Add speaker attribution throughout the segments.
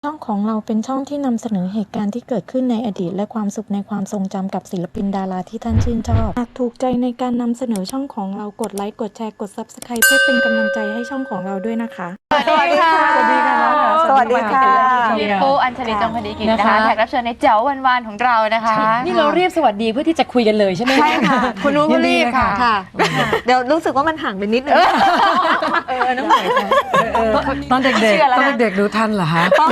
Speaker 1: ช่องของเราเป็นช่องที่นำเสนอเหตุการณ์ที่เกิดขึ้นในอดีตและความสุขในความทรงจำกับศิลปินดาราที่ท่านชื่นชอบหากถูกใจในการนำเสนอช่องของเรากดไลค์กดแชร์กด Subscribe เพื่อเป็นกำลังใจให้ช่องของเราด้วยนะคะ
Speaker 2: สวัสดีค่ะสวัสดีค่ะ
Speaker 3: สวัสดีค่ะ
Speaker 2: พี่ปูอัญชลีจงคดีกิจนะคะแขกรับเชิญในเจ๋ววันๆของเรานะคะ
Speaker 4: นี่เราเรียบสวัสดีเพื่อที่จะคุยกันเลยใช่ไหม
Speaker 3: ใช่ค่ะ
Speaker 2: คุณนุ้นรีบค่ะ
Speaker 3: เดี๋ยวรู้สึกว่ามันห่างไปนิดนึง
Speaker 2: น้องใหม่
Speaker 4: ตอนเด็กๆดูทันเหรอฮะ
Speaker 3: ป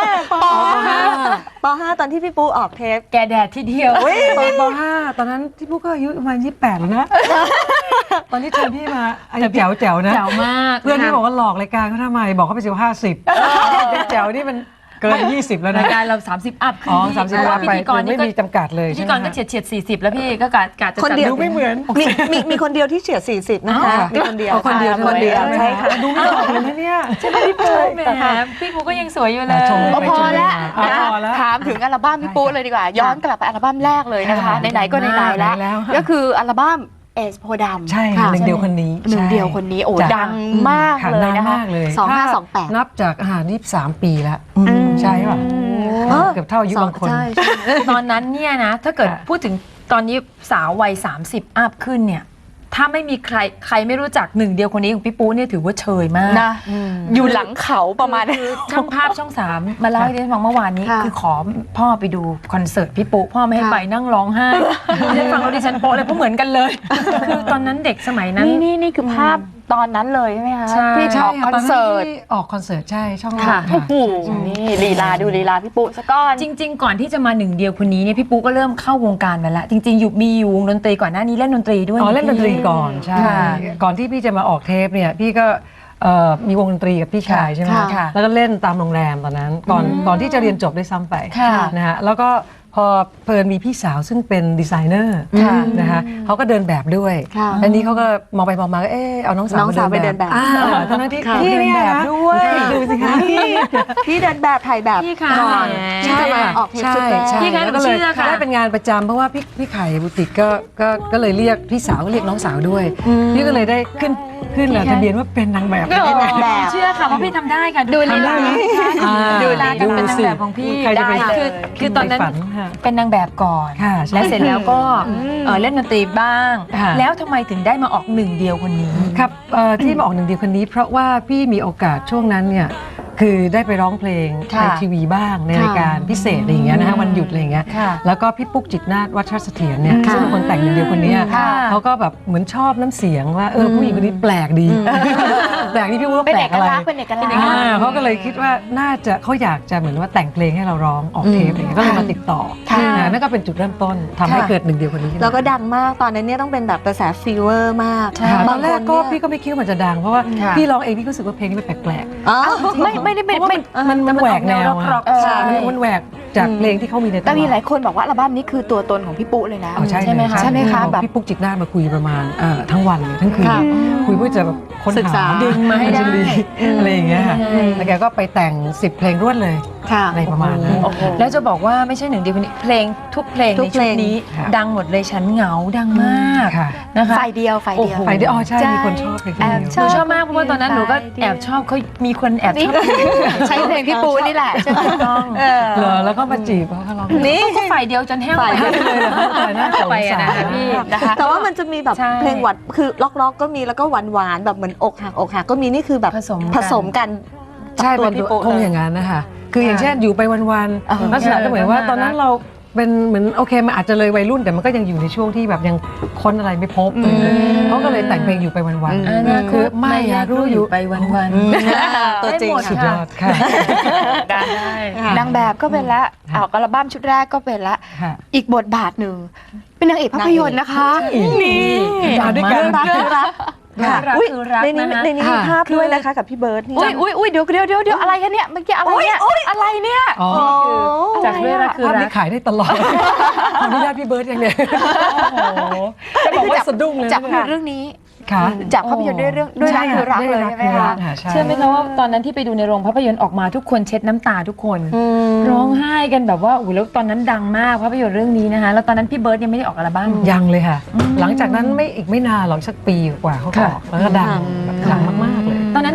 Speaker 3: .5 ตอนที่พี่ปูออกเทป
Speaker 4: แกแดดที่เดียวตอนป .5 ตอนนั้นที่พูก็อายุประมาณ28แล้วนะตอนที่เจอพี่มาอายุแจ๋วนะ
Speaker 2: แจ๋วมาก
Speaker 4: เพื่อนที่บอกว่าหลอกรายการเขาทำไมบอกเขาไป50แจ๋วนี่มันเกิน20แล้วนะ
Speaker 2: รายการเรา30อัพ
Speaker 4: อ๋อ30อัพไปไม่มีจำกัดเลย
Speaker 2: พิธีกรก็เฉียด40แล้วพี่ก็กะจะ
Speaker 3: คนเดียว
Speaker 4: ดูไม่เหมือน
Speaker 3: มีคนเดียวที่เฉียด40นะคะมีคนเดียวใช่ค่ะ
Speaker 4: ดูไม่ออกเลยนะเนี่ย
Speaker 2: ใช่ไหมพี่ปูแหมพี่ปูก็ยังสวยอยู่เลยพอแล้วถามถึงอัลบั้มพี่ปูเลยดีกว่าย้อนกลับไปอัลบั้มแรกเลยนะคะไหนๆก็ไหนๆแล้วก็คืออัลบั้มเอสโพดำ
Speaker 4: ใช่หนึ่งเดียวคนนี้
Speaker 2: โอ้ดังมากเลยนะคะ
Speaker 3: 2528
Speaker 4: นับจาก23 ปีแล้วใช่ป่ะเกือบเท่าอายุบางคน
Speaker 2: ตอนนั้นเนี่ยนะถ้าเกิดพูดถึงตอนนี้สาววัย30อัพขึ้นเนี่ยถ้าไม่มีใครไม่รู้จักหนึ่งเดียวคนนี้ของพี่ปูเนี่ยถือว่าเชยมากนะอยู่หลังเขาประมาณช่างภาพช่อง3มาเล่าให้ดิฉันฟังเมื่อวานนี้คือขอพ่อไปดูคอนเสิร์ตพี่ปูพ่อไม่ให้ไปนั่งร้องไห้ดิฉันฟังแล้วดิฉันโป๊ะเลยเพราะเหมือนกันเลยคือตอนนั้นเด็กสมัยนั้นนี่คือภาพตอนนั้นเลยใช่ไหมคะพี่ออกคอนเสิร์ต
Speaker 4: ใช่ช่อง
Speaker 2: โอ้โหนี่ลีลาดูลีลาพี่ปูซะก่อนจริงๆก่อนที่จะมาหนึ่งเดียวคนนี้เนี่ยพี่ปูก็เริ่มเข้าวงการมาแล้วจริงๆมีวงดนตรีก่อนหน้านี้เล่นดนตรีด้วย
Speaker 4: เล่นดนตรีก่อนใช่ก่อนที่พี่จะมาออกเทปเนี่ยพี่ก็มีวงดนตรีกับพี่ชายใช่ไหมแล้วก็เล่นตามโรงแรมตอนนั้นก่อนที่จะเรียนจบได้ซ้ำไปนะฮะแล้วก็พอเพลินมีพี่สาวซึ่งเป็นดีไซเนอร์นะคะเขาก็เดินแบบด้วยอันนี้เขาก็มองไปมองมาก็เอาน้องสาวไปเดินแบบตอนนั้นที่พี่เดินแบบด้วยดูสิคะ
Speaker 3: พี่เดินแบบถ่ายแบบก่อน
Speaker 4: ใช่ไหม
Speaker 3: ออกเทปชุดแรก
Speaker 4: พี่ก็เลยได้เป็นงานประจำเพราะว่าพี่ไข่บุติกก็เลยเรียกพี่สาวก็เรียกน้องสาวด้วยพี่ก็เลยได้ขึ้นแหละทะเบียนว่าเป็นนางแบบ
Speaker 2: เชื่อค่ะว่าพี่ทำได้ค่ะดูลีลาดูลีลาการเป็นนางแบบของพี่ได้คือตอนนั้นเป็นนางแบบก่อนและเสร็จแล้วก็เล่นดนตรีบ้างแล้วทำไมถึงได้มาออกหนึ่งเดียวคนนี้
Speaker 4: ครับที่มาออกหนึ่งเดียวคนนี้เพราะว่าพี่มีโอกาสช่วงนั้นเนี่ยคือได้ไปร้องเพลงในทีวีบ้างในรายการพิเศษอะไรอย่างเงี้ยนะฮะวันหยุดอะไรอย่างเงี้ยแล้วก็พี่ปุ๊กจิตนาฏวัชรเสถียรเนี่ยซึ่งเป็นคนแต่งหนึ่งเดียวคนนี้เขาก็แบบเหมือนชอบน้ำเสียงว่าผู้หญิงคนนี้แปลกดีแปลกที่พี่ปุ๊กแปลกอะไรเขาก็เลยคิดว่าน่าจะเขาอยากจะเหมือนว่าแต่งเพลงให้เราร้องออกเทปอะไรเงี้ยก็เลยมาติดต่อนั่นก็เป็นจุดเริ่มต้นทำให้เกิดหนึ่งเดียวคนนี้
Speaker 3: แล้วก็ดังมากตอนนั้นเนี่ยต้องเป็นแบบกระแสฟีเวอร์มาก
Speaker 4: ตอนแรกก็พี่ก็ไม่คิดว่ามันจะดังเพราะว่าพี่ร้องเองพี่ก็รู้สึกว่าเพลงนี้มันแปลก
Speaker 2: ๆไม่ได้
Speaker 4: มันแหวกแนวมันแหวกจากเพลงที่เขามีใน
Speaker 2: แต่มีหลายคนบอกว่าอัลบั้มนี้คือตัวตนของพี่ปุ๊เลยนะ
Speaker 4: ใช่ไหมคะแบบพี่ปุ๊กจิตนาฏมาคุยประมาณทั้งวันทั้งคืนคุยเพื่อจะแบบค้นหา
Speaker 2: ดึงมาให้ได้
Speaker 4: อะไรอย่างเงี้ยค่ะแล้วแกก็ไปแต่ง10เพลงรวดเลยอะไรประมาณนั้น
Speaker 2: แล้วจะบอกว่าไม่ใช่หนึ่งเดียวเพลงทุกเพลงในชุดนี้ดังหมดเลยฉันเหงาดังมากนะคะไฟเดียว
Speaker 4: ใช่มีคนชอบเพลงนี้
Speaker 2: หนูชอบมากเพราะว่าตอนนั้นหนูก็แอบชอบเขามีคนแอบชอบใช้เพลงพี่ปูนี่แหละใช่ไหมต้อง
Speaker 4: แล้วก็มาจีบเขาร้อง
Speaker 2: นี่ก็ไฟเดียวจนแห้งไปเลยน่าจะไปนะพี่นะคะ
Speaker 3: แต่ว่ามันจะมีแบบเพลงหวานคือล็อกก็มีแล้วก็หวานแบบเหมือนอกหักก็มีนี่คือแบบผสมกัน
Speaker 4: ใช่เป็นคงอย่างนั้นนะคะคืออย่างเช่นอยู่ไปวันๆลักษณะก็เหมือนว่าตอนนั้นเราเป็นเหมือนโอเคมันอาจจะเลยวัยรุ่นแต่มันก็ยังอยู่ในช่วงที่แบบยังค้นอะไรไม่พบเขาก็เลยแต่งเพลงอยู่ไปวันๆคือไม่รู้อยู่
Speaker 2: ไปวันๆ
Speaker 3: ตัวจริง
Speaker 4: สุดยอดค่ะ
Speaker 2: ได้นางแบบก็เป็นละออกอัลบั้มชุดแรกก็เป็นละอีกบทบาทหนึ่งเป็นนางเอกภาพยนตร์นะคะนี่
Speaker 4: ด้วยกัน
Speaker 3: รักในนี้มีภาพด้วยนะคะกับพี่เบิร์ดนี่
Speaker 2: อุ้ยเดี๋ยวอะไรกันเนี่ยเมื่อกี้อะไรเนี่ยอะไรเนี่ย
Speaker 4: จากเรื่องคือรักขายได้ตลอดขออนุญาตพี่เบิร์ดอย่างเดียวจะบอกว่าสะดุ้งเลย
Speaker 2: จากเรื่องนี้จากภาพยนตร์ด้วยรักคือรักเลยใช่ไหมคะเชื่อไหมคะว่าตอนนั้นที่ไปดูในโรงภาพยนตร์ออกมาทุกคนเช็ดน้ำตาทุกคนร้องไห้กันแบบว่าแล้วตอนนั้นดังมากภาพยนตร์เรื่องนี้นะคะแล้วตอนนั้นพี่เบิร์ดยังไม่ได้ออกอัลบั้ม
Speaker 4: ยังเลยค่ะหลังจากนั้นไม่นานหรอกสักปีกว่าเขาออกแล้วก็ดังมากๆเลย
Speaker 2: ตอนนั้น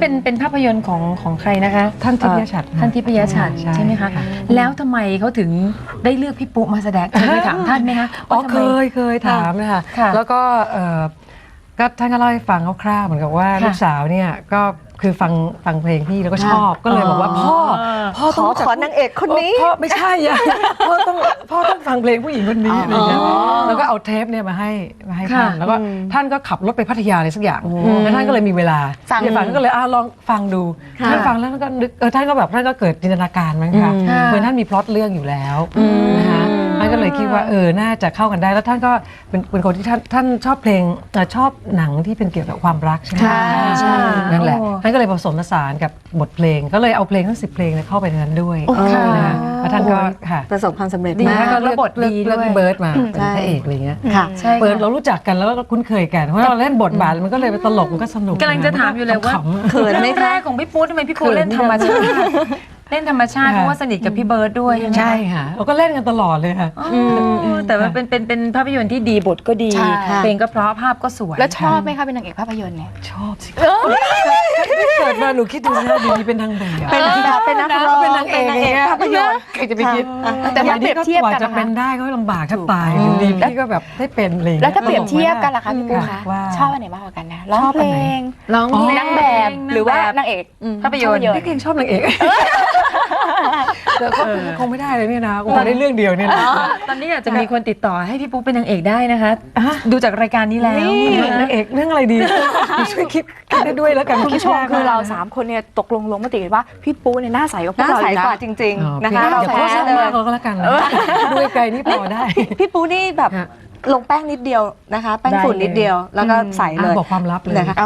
Speaker 2: เป็นภาพยนตร์ของใครนะคะ
Speaker 4: ท่านทิพยฉัตร
Speaker 2: ท่านทิพยฉัตรใช่ไหมคะแล้วทำไมเขาถึงได้เลือกพี่ปุ๊มาแสดงเคยถามท่านไหมคะ
Speaker 4: อ๋อ
Speaker 2: ว่าทำไม
Speaker 4: เคยถามนะคะ
Speaker 2: ค่ะ
Speaker 4: แล้วก็ก็ท่านก็เล่าให้ฟังคร่าวๆเหมือนกับว่า
Speaker 2: ค่ะ
Speaker 4: ลูกสาวเนี่ยก็คือฟังเพลงพี่แล้วก็ชอบก็เลยบอกว่าพ่อต้องรู้จัก
Speaker 3: ขอนางเอกคนนี้
Speaker 4: พ่อไม่ใช่อะพ่อต้องฟังเพลงผู้หญิงคนนี้อะไรเงี้ยแล้วก็เอาเทปเนี่ยมาให้ท่านแล้วก็ท่านก็ขับรถไปพัทยาอะไรสักอย่างแล้วท่านก็เลยมีเวลาที่จะฟังท่านก็เลยลองฟังดูท่านฟังแล้วท่านก็นึกท่านก็แบบท่านก็เกิดจินตนาการมั้งคะเหมือนท่านมีพล็อตเรื่องอยู่แล้วนะคะท่านก็เลยคิดว่าน่าจะเข้ากันได้แล้วท่านก็เป็นคนที่ท่านชอบเพลงชอบหนังที่เป็นเกี่ยวกับความรักใช่ไหมนั่นแหละท่านก็เลยผสมผสานกับบทเพลงก็เลยเอาเพลงทั้ง10 เพลงเข้าไปในนั้นด้วยนะคะแล้วท่านก็ค่ะ
Speaker 3: ประสบความสำเร็จ
Speaker 2: ดี
Speaker 3: มาก
Speaker 2: มาก
Speaker 4: ก็
Speaker 2: แล้วบทดีด้วย
Speaker 4: เบิร์ดมาเป็นพระเอกอะไรเงี้ย
Speaker 3: ค่ะ
Speaker 2: ใช่
Speaker 4: เปิดเรารู้จักกันแล้วก็คุ้นเคยกันเพราะเราเล่นบทบาทมันก็เลยเป็นตลกมันก็สนุก
Speaker 2: กำลังจะถามอยู่เลยว่า
Speaker 4: ขำๆ
Speaker 3: เขินไหม
Speaker 2: เรื่องแรกของพี่ปุ๊ทำไมพี่ปุ๊เล่นธรรมชาติเล่นธรรมชาติเพราะว่าสนิทกับพี่เบิร์ดด้วย
Speaker 4: ใช่ค่ะเราก็เล่นกันตลอดเลยค่ะ
Speaker 2: แต่ว่าเป็นภาพยนตร์ที่ดีบทก็ดี
Speaker 5: ใช่
Speaker 2: เพลงก็เพราะภาพก็สวย
Speaker 5: แล้วชอบไหมคะเป็นนางเอกภาพยนตร์เนี่ย
Speaker 4: ชอบสิเกิดมาหนูคิดดูนะดีเป็นทางแบบ
Speaker 3: เป็นนักร้อง
Speaker 4: เป็นนางเอก
Speaker 3: ภาพยนตร์
Speaker 4: ใครจะไปคิด
Speaker 5: แต่ถ้าเปรียบเทียบกัน
Speaker 4: จะ
Speaker 5: นะคะ
Speaker 4: เป็นได้ก็ลำบากแทบตายดีพี่ก็แบบได้เป็นเลย
Speaker 5: แล้วถ้าเปรียบเทียบกันล่ะคะพี่ปูคะ
Speaker 4: ว่า
Speaker 5: ชอบอันไหนมากกว่ากันนะร้อง
Speaker 4: ชอบ
Speaker 5: เพ
Speaker 4: อั
Speaker 5: ล
Speaker 4: นไหน
Speaker 5: ง
Speaker 2: ร้องเพลง
Speaker 5: นางแบบหรือว่านางเอก
Speaker 2: ภาพยนตร์
Speaker 4: พี่เก่งชอบนางเอกแต่ก็คงไม่ได้เลยเนี่ยนะคงได้เรื่องเดียวเนี่ยนะ
Speaker 2: ตอนนี้อาจจะมีคนติดต่อให้พี่ปุ๊เป็นนางเอกได้นะคะ ดูจากรายการนี้แล้ว
Speaker 4: นางเอกเรื่องอะไรดีช่วยคิดได้ด้วยแล้วกัน
Speaker 5: คุณผู้ชมคือเรา3คนเนี่ยตกลงมติกันว่าพี่ปูเนี่ยหน้าใสกว่าพว
Speaker 3: น่าก
Speaker 5: เรา
Speaker 3: ใส
Speaker 5: อีกนะ
Speaker 3: กว่าจริงๆนะคะ
Speaker 4: เรา
Speaker 3: เรา
Speaker 4: แพ้
Speaker 3: แพ้
Speaker 4: เล
Speaker 3: เลย ย
Speaker 4: ก็แล้วกันด้วยไกลนี่พอได้
Speaker 3: พี่ปูนี่แบบลงแป้งนิดเดียวนะคะ แป้งฝุ่นนิดเดียวแล้วก็ใสเลย
Speaker 4: บอกความลับเลย
Speaker 3: นะคะ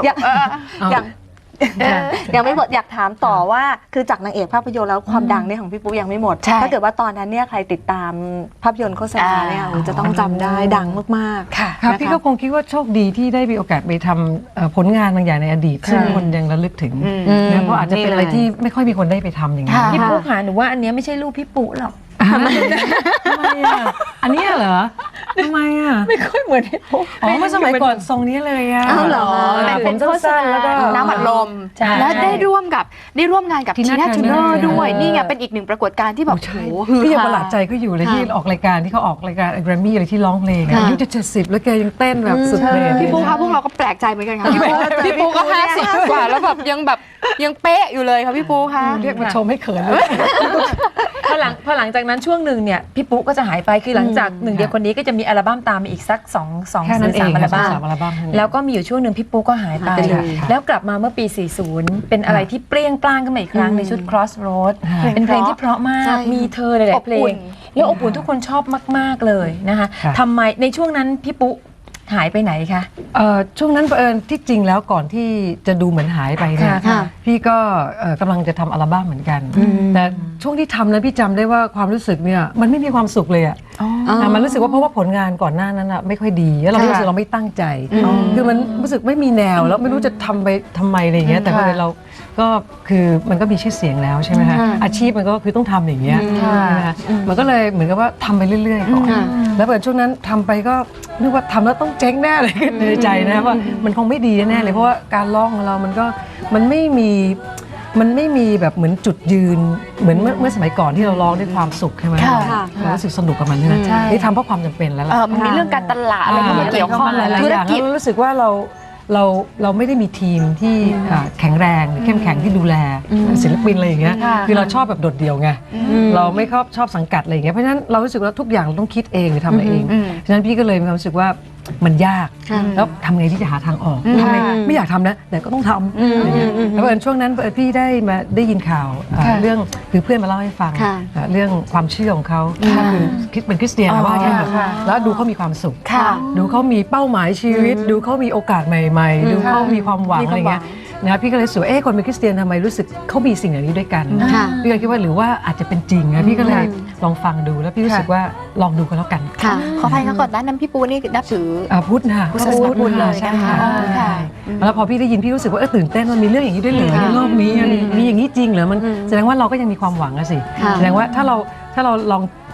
Speaker 3: ยังไม่หมดอยากถามต่อว่าคือจากนางเอกภาพยนตร์แล้วความดังเนี่ยของพี่ปุ๊ยังไม่หมด
Speaker 5: ใช่
Speaker 3: ถ้าเกิดว่าตอนนั้นเนี่ยใครติดตามภาพยนตร์โฆษณาเนี่ยโอ้จะต้องจำได้ดังมากๆ
Speaker 5: ค่ะ
Speaker 4: ครับ
Speaker 3: นะคะ
Speaker 4: พี่ก็คงคิดว่าโชคดีที่ได้มีโอกาสไปทำผลงานบางอย่างในอดีต ซึ่งคนยังระลึกถึงนะเพราะอาจจะเป็นอะไรที่ไม่ค่อยมีคนได้ไปทำอย่างนี้น
Speaker 5: ค่ะ
Speaker 2: พี่ปุ๊ค่ะหนูว่าอันเนี้ยไม่ใช่รูปพี่ปุ๊หรอก
Speaker 4: ทำไมอ่ะอันนี้เหรอทำไมอ่ะ
Speaker 2: ไม่ค่อยเหมือนพี่ปุ๊
Speaker 4: อ๋อเมื่อสมัยก่อนทรงนี้เลยอ่ะ
Speaker 3: อ้าวเหรอ
Speaker 4: ผมสั้นๆแล้วก็
Speaker 5: น้ำอัดลม
Speaker 2: ใช่
Speaker 5: แล้วได้ร่วมงานกับที
Speaker 4: Tina
Speaker 5: น่าทูเนอ
Speaker 4: Turner
Speaker 5: ร์ด้วยนี่ไงเป็นอีกหนึ่งปรากฏการณ์ที่แบบ
Speaker 4: ใช่
Speaker 5: โอ้โหฮือ
Speaker 4: พี่ยัง
Speaker 5: ฮา
Speaker 4: ประหลาดใจก็อยู่เลยที่ออกรายการที่เขาออกรายการแกรมมี่อะไรที่ร้องเพลงอายุจะ70แล้วแกยังเต้นแบบสุดเลย
Speaker 5: พี่ปูคะพวกเราก็แปลกใจเหมือนกันค่ะพี่ปูก็50 กว่าแล้วแบบยังเป๊ะอยู่เลยค่ะพี่ปูคะ
Speaker 4: เรียกมาชมให้เขินเลย
Speaker 2: พอหลังจากนั้นช่วงหนึ่งเนี่ยพี่ปุ๊ก็จะหายไปคือหลังจากหนึ่งเดียวคนนี้ก็จะมีอัลบั้มตามมาอีกสัก2
Speaker 4: แค่นั้น
Speaker 2: 3
Speaker 4: เอง
Speaker 2: อัลบั้ม
Speaker 4: 3อัลบั้ม
Speaker 2: แล้วก็มีอยู่ช่วงหนึ่งพี่ปุ๊ก็หายไป
Speaker 3: หายไปเลย
Speaker 2: แล้วกลับมาเมื่อปี 40 เป็นอะไรที่เปรี้ยงปร้างขึ้นมาอีกครั้งในชุด Crossroad
Speaker 4: ค่ะ
Speaker 2: เป็นเพลงที่เพราะมาก มีเธอหลายๆเพลง แล้วอบอุ่นทุกคนชอบมาก ๆ เลยนะคะ
Speaker 4: ค่ะ
Speaker 2: ทำไมในช่วงนั้นพี่ปุ๊หายไปไหนคะ
Speaker 4: ช่วงนั้นเผอิญที่จริงแล้วก่อนที่จะดูเหมือนหายไปเนี่ย
Speaker 2: ค่ะ
Speaker 4: พี่ก็กำลังจะทำอัลบั้มเหมือนกัน แต่ช่วงที่ทำนั้นพี่จำได้ว่าความรู้สึกเนี่ยมันไม่มีความสุขเลยอะมันรู้สึกว่าเพราะว่าผลงานก่อนหน้านั้นอะไม่ค่อยดีแล้วเรารู้สึกเราไม่ตั้งใจ คือมันรู้สึกไม่มีแนวแล้วไม่รู้จะทำไปทำไมอะไรอย่างเงี้ยแต่พอเราก็คือมันก็มีชื่อเสียงแล้วใช่ไหมคะอาชีพมันก็คือต้องทำอย่างเงี้ยใช่ไหมคะมันก็เลยเหมือนกับว่าทำไปเรื่อยๆก่อนแล้วเปิดช่วงนั้นทำไปก็นึกว่าทำแล้วต้องเจ๊งแน่เลยในใจนะว่ามันคงไม่ดีแน่เลยเพราะว่าการร้องของเรามันไม่มีแบบเหมือนจุดยืนเหมือนเมื่อสมัยก่อนที่เราร้องด้วยความสุขใช่ไหม
Speaker 5: ค่ะ
Speaker 4: เรารู้สึกสนุกกับมันใช่ไหม
Speaker 5: ใช่
Speaker 4: นี่ทำเพราะความจำเป็นแล้วล่ะ
Speaker 5: มันมีเรื่องการตลาดอะไรเข้ามาเกี่ยวข้อง
Speaker 4: หลาย
Speaker 5: ธุ
Speaker 4: ๆ
Speaker 5: ร
Speaker 4: อย่าง
Speaker 5: กิจ
Speaker 4: แล้วรู้สึกว่าเราไม่ได้มีทีมที่แข็งแรงหรือเข้มแข็งที่ดูแลศิลปินอะไรอย่างเงี้ย
Speaker 5: ค่ะ
Speaker 4: คือเราชอบแบบโดดเดี่ยวไงเราไม่ชอบสังกัดอะไรอย่างเงี้ยเพราะฉะนั้นเรารู้สึกว่าทุกอย่างเราต้องคิดเองหรือทำอะไรเองเพราะฉะนั้นพี่ก็เลยมีความรู้สึกว่ามันยากแล้วทำไงที่จะหาทางออกทำไงไม่อยากทำนะแต่ก็ต้องทำอะไรเงี้ยแล้วเอิญช่วงนั้นพี่ได้ยินข่าวเรื่องคือเพื่อนมาเล่าให้ฟังเรื่องความเชื่อของเขาคือคิดเป็นคริสเตียนนะว่าอย่างนั้นแล้วดูเขามีความสุข
Speaker 5: ค่ะ
Speaker 4: ดูเขามีเป้าหมายชีวิต ดูเขามีโอกาสใหม่ๆ ดูเขามีความหวังอะไรเงี้ยนะพี่ก็เลยรู้สึกว่าคนเป็นคริสเตียนทำไมรู้สึกเขามีสิ่งเหล่านี้ด้วยกันพี่ก็คิดว่าหรือว่าอาจจะเป็นจริงนะพี่ก็เลยลองฟังดูแล้วพี่รู้สึกว่าลองดูกันแล้วกัน
Speaker 5: ค่ะขออภัยค่ะก่อนหน้านั้นพี่ปูนี่นับถือ
Speaker 4: พุทธนะ
Speaker 5: พุทธศาสนาพุทธเลย
Speaker 4: ใช่
Speaker 5: นะคะ
Speaker 4: ค่ะ
Speaker 5: ค่ะ
Speaker 4: แล้วพอพี่ได้ยินพี่รู้สึกว่าตื่นเต้นมันมีเรื่องอย่างนี้ด้วยเหรอในโลกนี้มีอย่างนี้จริงเหรอมันแสดงว่าเราก็ยังมีความหวังอะสิแสดงว่าถ้าเราลอง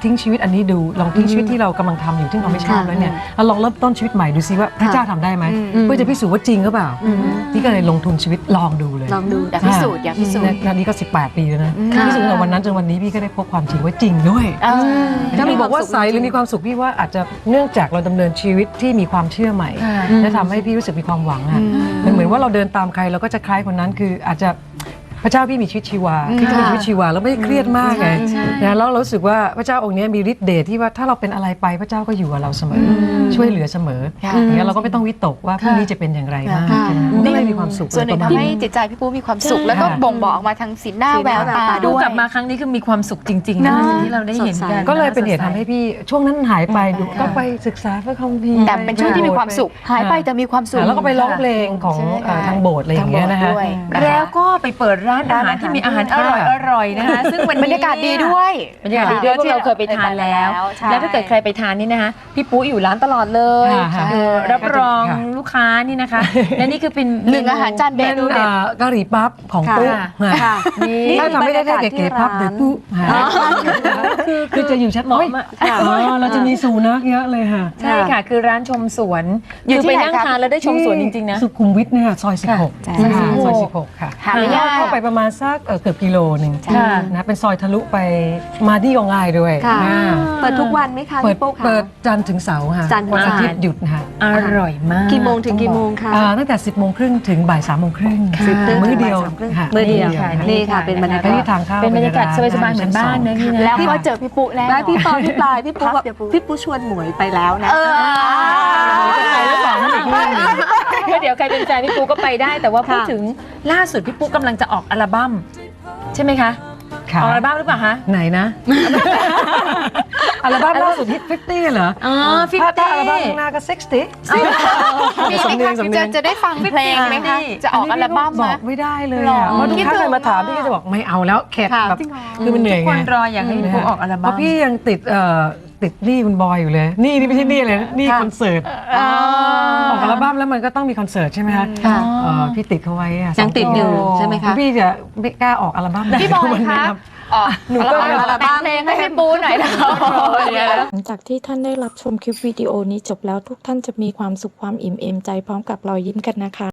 Speaker 4: ทิ้งชีวิตอันนี้ดูลองทิ้งชีวิตที่เรากำลังทำอยู่ที่เราไม่ชอบแล้วเนี่ยแล้วลองเริ่มต้นชีวิตใหม่ดูซิว่าพระเจ้าทำได้ไหมเพื่อจะพิสูจน์ว่าจริงหรือเปล่าพี่ก็เลยลงทุนชีวิตลองดูเลย
Speaker 3: ลองดู
Speaker 5: อยากพิสูจน์อยากพิสูจน์
Speaker 4: นานี้ก็18 ปีแล้วนะพิสูจน์ตั้งแต่วันนั้นจนวันนี้พี่ก็ได้พบความจริงว่าจริงด้วย ถ้ามีบอกว่าใสหรือมีความสุขพี่ว่าอาจจะเนื่องจากเราดำเนินชีวิตที่มีความเชื่อใหม่และทำให้พี่รู้สึกมีความหวังอ่ะมันเหมือนว่าเราเดินตามใครเราก็จะคล้ายคนนั้นคืออาจจะพระเจ้าพี่มีชีวิตชีวาพี่ก็มีชีวิตชีวาแล้วไม่ได้เครียดมากไงนะแล้วเรารู้สึกว่าพระเจ้าองค์นี้มีฤทธิ์เดชที่ว่าถ้าเราเป็นอะไรไปพระเจ้าก็อยู่กับเราเสมอช่วยเหลือเสมออย่างนี้เราก็ไม่ต้องวิตกว่าพรุ่งนี้จะเป็นอย่างไรบ้างก็เลยมีความสุข
Speaker 5: ส่วนหนึ่งทำให้จิตใจพี่ปูมีความสุขแล้วก็บ่งบอกออกมาทางสีหน้าแววตา
Speaker 2: ดู
Speaker 5: ด้วย
Speaker 2: กลับมาครั้งนี้คือมีความสุขจริงๆนะที่เราได้เห็นกัน
Speaker 4: ก็เลยเป็นเหตุทำให้พี่ช่วงนั้นหายไปก็ไปศึกษาพระคัมภีร์
Speaker 5: แต่เป็นช่วงที่มีความสุขหายไปแต่มีความสุข
Speaker 4: แล้วก็ไปร้องเพลงของทางโบสถ์อะไรอย่างเงี้ยนะคะ
Speaker 2: แล้วก็ไปเปิดร้านอาหารที่มีอาหารอร่อยๆนะคะซึ่งวันนี้
Speaker 5: บรรยากาศดีด้วย
Speaker 2: บรรยากาศดีด้วยพวกเราเคยไปทานแล้ว
Speaker 5: ใช่
Speaker 2: แล้วถ้าเกิดใครไปทานนี่นะคะพี่ปุ๊อยู่ร้านตลอดเลย
Speaker 4: ค่ะ
Speaker 2: รับรองลูกค้านี่นะคะและนี่คือเป็น
Speaker 5: หนึ่งอาหารจานเด็ด
Speaker 4: เป็นกะหรี่ปั๊บของปุ๊
Speaker 3: ค่ะ
Speaker 2: นี่
Speaker 4: ถ้าทำไม่ได้เก๋ๆปั๊บเดี๋ยวปุ๊คือจะอยู่ชัดน้อยเราจะมีสูนักเยอะเลยค่ะ
Speaker 2: ใช่ค่ะคือร้านชมสวนคือไปนั่งทานแล้วได้ชมสวนจริงๆนะ
Speaker 4: สุขุมวิทเนี่ยซอย 16ซอย16ค่ะ
Speaker 5: หาไม่ยาก
Speaker 4: เข้าไปประมาณสักเกือบกิโลหนึ่ง
Speaker 2: ค่ะ
Speaker 4: นะเป็นซอยทะลุไปมาที่ก็ง่ายด้วย
Speaker 3: ค่ะ
Speaker 4: อ่า
Speaker 3: เปิดทุกวันไหมคะ
Speaker 4: เปิด
Speaker 3: พี่ปุ๊กคะ
Speaker 4: เปิดจันทร์ถึงเสาร์ค่ะ
Speaker 3: จันทร์ถึง
Speaker 4: วันอา
Speaker 3: เสาร์
Speaker 4: ทิตย์หยุดนะคะ
Speaker 2: อร่อยมาก
Speaker 3: กี่โมงถึงกี่โมงคะ
Speaker 4: ตั้งแต่ 10 โมงครึ่งถึงบ่าย 3 โมงครึ่ง มื้อเดียวค่ะ
Speaker 3: มื้อเดียว
Speaker 2: ค่ะ
Speaker 3: นี่ค่ะเป็นบรรยากาศ
Speaker 4: นี่ทางเข้า
Speaker 2: เป็นบรรยากาศสบายๆเหมือนบ้านนะพี่นะ
Speaker 5: แล้วก็เจอพี่ปุ๊แล้ว
Speaker 3: ได้พี่ปอพี่ปลายพี่ปุ๊แบบพี่ปุ๊ชวนหมวยไปแล้วนะ
Speaker 2: จะไปหรือเปล่านั่นอีกเรื่องหนึ่งก็เดี๋ยวใครเป็นแฟนพี่ปูก็ไปได้ แต่ว่าพูดถึงล่าสุดพี่ปูกำลังจะออกอัลบั้มใช่ไหมคะ
Speaker 4: ค่ะ
Speaker 2: ออกอัลบั้มหรือเปล่าคะ
Speaker 4: ไหนนะ อัลบั้มล่าสุดฮิต50เหรอ
Speaker 2: อ๋อฟิฟ
Speaker 4: ถ้า
Speaker 2: ตี้
Speaker 4: อัลบั้มข้างหน้าก็60
Speaker 5: มี
Speaker 4: สำ
Speaker 5: ไหม
Speaker 4: เนีย
Speaker 5: คะ
Speaker 4: งสำเนียง
Speaker 5: จะได้ฟังเพลงไหมคะจะออกอัลบั้ม
Speaker 4: บ
Speaker 5: ไหม
Speaker 4: อกไม่ได้เลย
Speaker 5: หรอ
Speaker 4: อะเพราะทุกครั้งใครมาถามพี่ก็จะบอกไม่เอาแล้วเข็ด
Speaker 3: ค่ะ
Speaker 4: แบบ
Speaker 3: จริงเหรอ
Speaker 4: คือมันเหนื่อย
Speaker 2: ค
Speaker 4: ไง
Speaker 2: นรออยากให้พี่ปูออกอัล
Speaker 4: เพ
Speaker 2: บั้ม
Speaker 4: ราะพี่ยังติดหนี้คุณบอยอยู่เลยหนี่ไม่ใช่หนี้เลยหนี่คอนเสิร์ตออกอัลบั้มแล้วมันก็ต้องมีคอนเสิร์ตใช่ไหมคะ
Speaker 3: ค่ะ
Speaker 4: พี่ติดเขาไว้อะ
Speaker 3: ยังติดอยู่ใช่ไหมคะ
Speaker 4: พี่จะไม่กล้าออกอัลบั้ม
Speaker 5: พี่บอย
Speaker 4: วันนี้
Speaker 5: คะ
Speaker 4: ครับ
Speaker 5: หนูก็แต่งเพลงให้พี่ปูหน่อยนะ
Speaker 1: หลังจากที่ท่านได้รับชมคลิปวิดีโอนี้จบแล้วทุกท่านจะมีความสุขความอิ่มเอมใจพร้อมกับรอยยิ้มกันนะคะ